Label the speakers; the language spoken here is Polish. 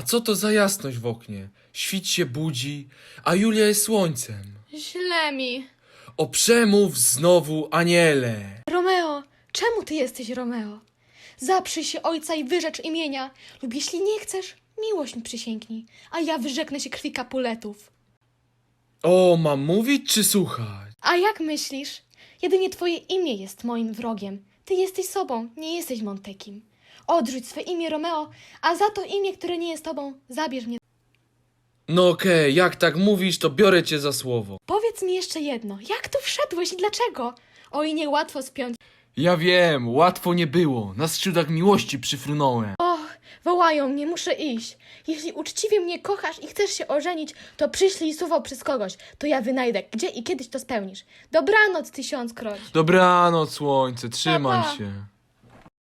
Speaker 1: co to za jasność w oknie? Świt się budzi, a Julia jest słońcem.
Speaker 2: Źle mi.
Speaker 1: O przemów znowu, aniele!
Speaker 2: Romeo, czemu ty jesteś Romeo? Zaprzyj się ojca i wyrzecz imienia, lub jeśli nie chcesz, miłość mi przysięgnij, a ja wyrzeknę się krwi Capuletów.
Speaker 1: O, mam mówić czy słuchać?
Speaker 2: A jak myślisz? Jedynie twoje imię jest moim wrogiem. Ty jesteś sobą, nie jesteś Montekim. Odrzuć swe imię Romeo, a za to imię, które nie jest tobą, zabierz mnie.
Speaker 1: No okej, jak tak mówisz, to biorę cię za słowo.
Speaker 2: Powiedz mi jeszcze jedno, jak tu wszedłeś i dlaczego? Oj, niełatwo spiąć.
Speaker 1: Ja wiem, łatwo nie było. Na skrzydłach miłości przyfrunąłem.
Speaker 2: Och, wołają mnie, muszę iść. Jeśli uczciwie mnie kochasz i chcesz się ożenić, to przyślij słowo przez kogoś. To ja wynajdę, gdzie i kiedyś to spełnisz. Dobranoc, tysiąckroć.
Speaker 1: Dobranoc, słońce, trzymaj
Speaker 2: Pa, pa.
Speaker 1: się.